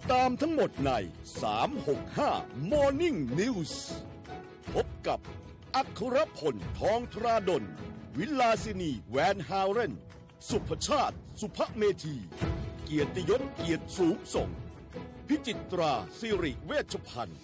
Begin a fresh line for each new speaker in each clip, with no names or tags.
ตามทั้งหมดใน365 Morning News พบกับอัครพลทองธราดลวิลาสินีแวนฮาวเรนสุภชาติสุภเมธีเกียรติยศเกียรติสูงส่งพิจิตราสิริเวชพันธ์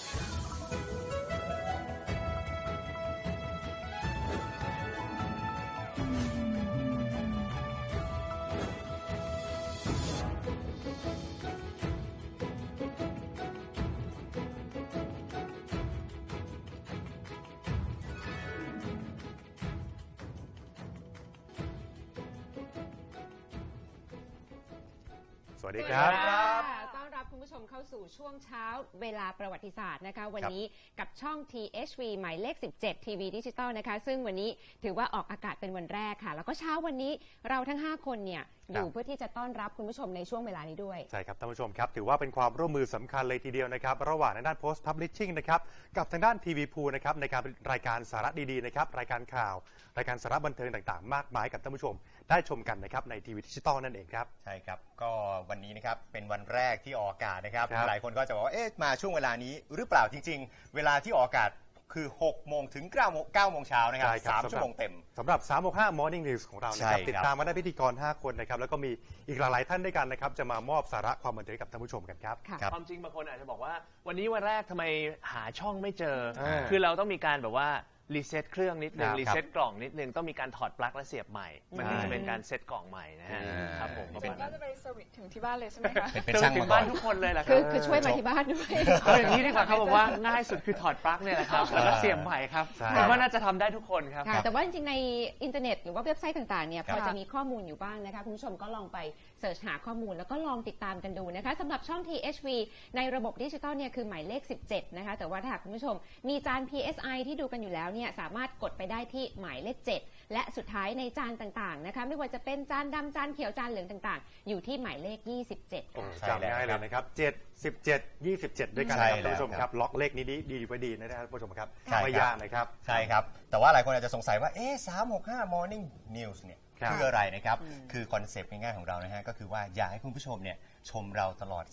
สวัสดีครับ
ต้อนรับคุณผู้ชมเข้าสู่ช่วงเช้าเวลาประวัติศาสตร์นะคะวันนี้กับช่อง THV หมายเลข 17 ทีวีดิจิตอลนะคะซึ่งวันนี้ถือว่าออกอากาศเป็นวันแรกค่ะแล้วก็เช้าวันนี้เราทั้ง5คนเนี่ยอยู่เพื่อที่จะต้อนรับคุณผู้ชมในช่วงเวลานี้ด้วย
ใช่ครับท่านผู้ชมครับถือว่าเป็นความร่วมมือสำคัญเลยทีเดียวนะครับระหว่างด้าน Post Publishing นะครับกับทางด้าน TV Pool นะครับในการรายการสาระดีๆนะครับรายการข่าวรายการสาระบันเทิงต่างๆมากมายกับท่านผู้ชมได้ชมกันนะครับในทีวีดิจิตอลนั่นเองครับ
ใช่ครับก็วันนี้นะครับเป็นวันแรกที่ออกอากาศนะครับหลายคนก็จะบอกว่าเอ๊ะมาช่วงเวลานี้หรือเปล่าจริงๆเวลาที่ออกอากาศคือ6โมงถึง9โมงเช้านะครับ3ชั่วโมงเต็ม
สำหรับ365 Morning News ของเรานะครับติดตามมาได้พิธีกร5คนนะครับแล้วก็มีอีกหลายๆท่านด้วยกันนะครับจะมามอบสาระความบันเทิงกับท่านผู้ชมกันครับ
ความจริงบางคนอาจจะบอกว่าวันนี้วันแรกทำไมหาช่องไม่เจอคือเราต้องมีการแบบว่ารีเซ็ตเครื่องนิดนึงรีเซ็ตกล่องนิดนึงต้องมีการถอดปลั๊กและเสียบใหม่มันถึงจะเป็นการเซ็ตกล่องใหม่นะฮะครับผม
ก็จะไปเซอร์วิสถึงที่บ้านเลยใช่ไหมคะ
เป็นช่าง
ถึงบ้านทุกคนเลยแหละ
คือช่วยมาที่บ้านด้วย
อย่างนี้ดีกว่าครับผมว่าง่ายสุดคือถอดปลั๊กเนี่ยแหละครับแล้วก็เสียบใหม่ครับผมว่าน่าจะทำได้ทุกคนครับ
แต่ว่าจริงๆในอินเทอร์เน็ตหรือว่าเว็บไซต์ต่างๆเนี่ยพอจะมีข้อมูลอยู่บ้างนะคะคุณผู้ชมก็ลองไปเสิร์ชหาข้อมูลแล้วก็ลองติดตามกันดูนะคะสำหรับช่อง THV ในระบบดิจิตอลเนี่ยคือหมายเลข17นะคะแต่ว่าถ้าคุณผู้ชมมีจาน PSI ที่ดูกันอยู่แล้วเนี่ยสามารถกดไปได้ที่หมายเลข7และสุดท้ายในจานต่างๆนะคะไม่ว่าจะเป็นจานดำจานเขียวจานเหลืองต่างๆอยู่ที่หมายเลข27
จำง่ายเลยนะครับ7 17 27ด้วยกันนะครับท่านผู้ชมครับล็อกเลขนี้ดีไว้ดีนะครับท่านผู้ชมครับไม่ยากนะครับ
ใช่ครับแต่ว่าหลายคนอาจจะสงสัยว่า365 Morning News เนี่ยคืออะไรนะครับคือคอนเซปต์ง่ายๆของเรานะฮะก็คือว่าอยากให้คุณผู้ชมเนี่ยชมเราตลอด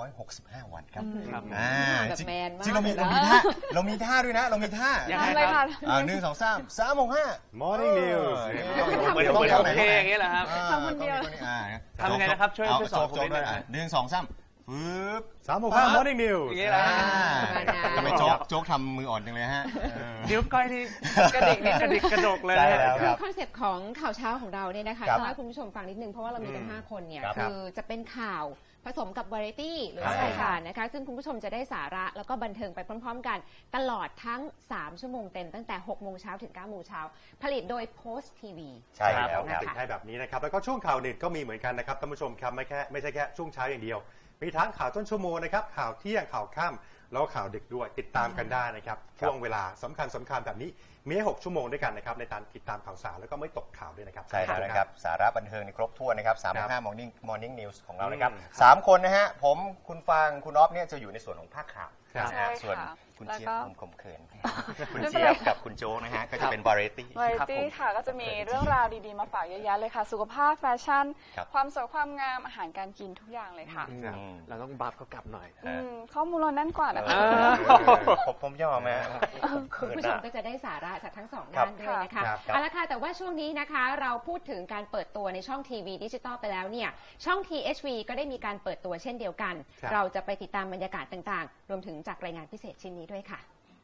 365วันครับจริงเรามีท่าด้วยนะเรามีท่า
ยังไงคะ
1 2 3 365
Morning News
เหมือนโอเคอย่างนี้แหละครับ
ทำคนเดียว
ทำไงนะครับช่วยสอนผมนิดนึง
1 2 3ปึ๊บ
365 Morning News
อย่างนี้แหละ
ทำไมโจ๊กทำมืออ่อนจังเลยฮะ
นิ้วก้อยที่กระดิกกระดกเลย
คือคอนเซปต์ของข่าวเช้าของเราเนี่ยนะคะต้องให้คุณผู้ชมฟังนิดนึงเพราะว่าเรามีกัน5คนเนี่ยคือจะเป็นข่าวผสมกับวาไรตี้หรือรายการนะคะซึ่งคุณผู้ชมจะได้สาระแล้วก็บันเทิงไปพร้อมๆกันตลอดทั้ง3ชั่วโมงเต็มตั้งแต่6โมงเช้าถึง9โมงเช้าผลิตโดย Post TV
ใช่แล้ว
ครับให้แบบนี้นะครับแล้วก็ช่วงข่าวเด็ดก็มีเหมือนกันนะครับท่านผู้ชมครับไม่ใช่แค่ช่วงเช้าอย่างเดียวมีทั้งข่าวต้นชั่วโมงนะครับข่าวเที่ยงข่าวค่ำแล้วข่าวดึกด้วยติดตามกันได้นะครับช่วงเวลาสำคัญแบบนี้มี6ชั่วโมงด้วยกันนะครับในการติดตามข่าวสารแล้วก็ไม่ตกข่าวด้วยนะครับ
ใช่แล้วนะครับสาระบันเทิงในครบถ้วนนะครับ365 Morning News ของเรานะครับ3คนนะฮะผมคุณฟางคุณอ๊อฟเนี่ยจะอยู่ในส่วนของภาคข่าวส่วนคุณเจี๊ยบผมเขินคุณเจี๊ยบกับคุณโจ๊กนะฮะก็จะเป็นวาไรตี้
ค่ะก็จะมีเรื่องราวดีๆมาฝากเยอะแยะเลยค่ะสุขภาพแฟชั่นความสวยความงามอาหารการกินทุกอย่างเลยค่ะ
เราต้องบัฟเขากลับหน่อย
ข้อมูลเราแน่นกว่านะคะ
ผมยอมไหม
คุณผู้ชมก็จะได้สาระจากทั้ง2ด้านด้วยนะคะเอาละค่ะแต่ว่าช่วงนี้นะคะเราพูดถึงการเปิดตัวในช่องทีวีดิจิตอลไปแล้วเนี่ยช่อง THV ก็ได้มีการเปิดตัวเช่นเดียวกันเราจะไปติดตามบรรยากาศต่างๆรวมถึงจากรายงานพิเศษชิ้นนี้ด้วยค่ะ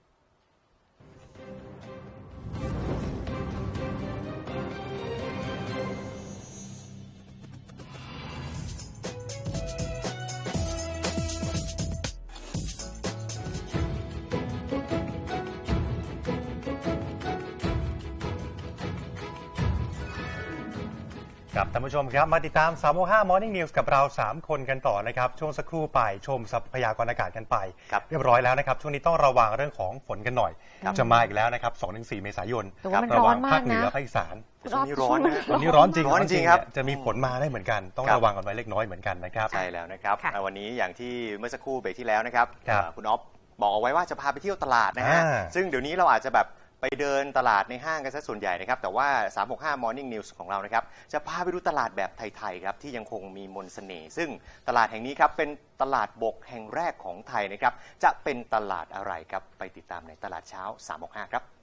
ครับท่านผู้ชมครับมาติดตาม365 Morning News กับเรา3คนกันต่อนะครับช่วงสักครู่ไปชมทรัพยากรอากาศกันไปเรียบร้อยแล้วนะครับช่วงนี้ต้องระวังเรื่องของฝนกันหน่อยจะมาอีกแล้วนะครับ 2-4 เมษายนระวังภาคเหนือภาคอีสาน
วันนี้ร้อนนะ
วันนี้ร้อนจริงครับจะมีฝนมาได้เหมือนกันต้องระวังกันไว้เล็กน้อยเหมือนกันนะครับ
ใช่แล้วนะครับวันนี้อย่างที่เมื่อสักครู่เบรกที่แล้วนะครับคุณอ๊อฟบอกเอาไว้ว่าจะพาไปเที่ยวตลาดนะฮะซึ่งเดี๋ยวนี้เราอาจจะแบบไปเดินตลาดในห้างกันซะส่วนใหญ่นะครับแต่ว่า365 Morning News ของเรานะครับจะพาไปดูตลาดแบบไทยๆครับที่ยังคงมีมนต์เสน่ห์ซึ่งตลาดแห่งนี้ครับเป็นตลาดบกแห่งแรกของไทยนะครับจะเป็นตลาดอะไรครับไปติดตามในตลาดเช้า365ครับ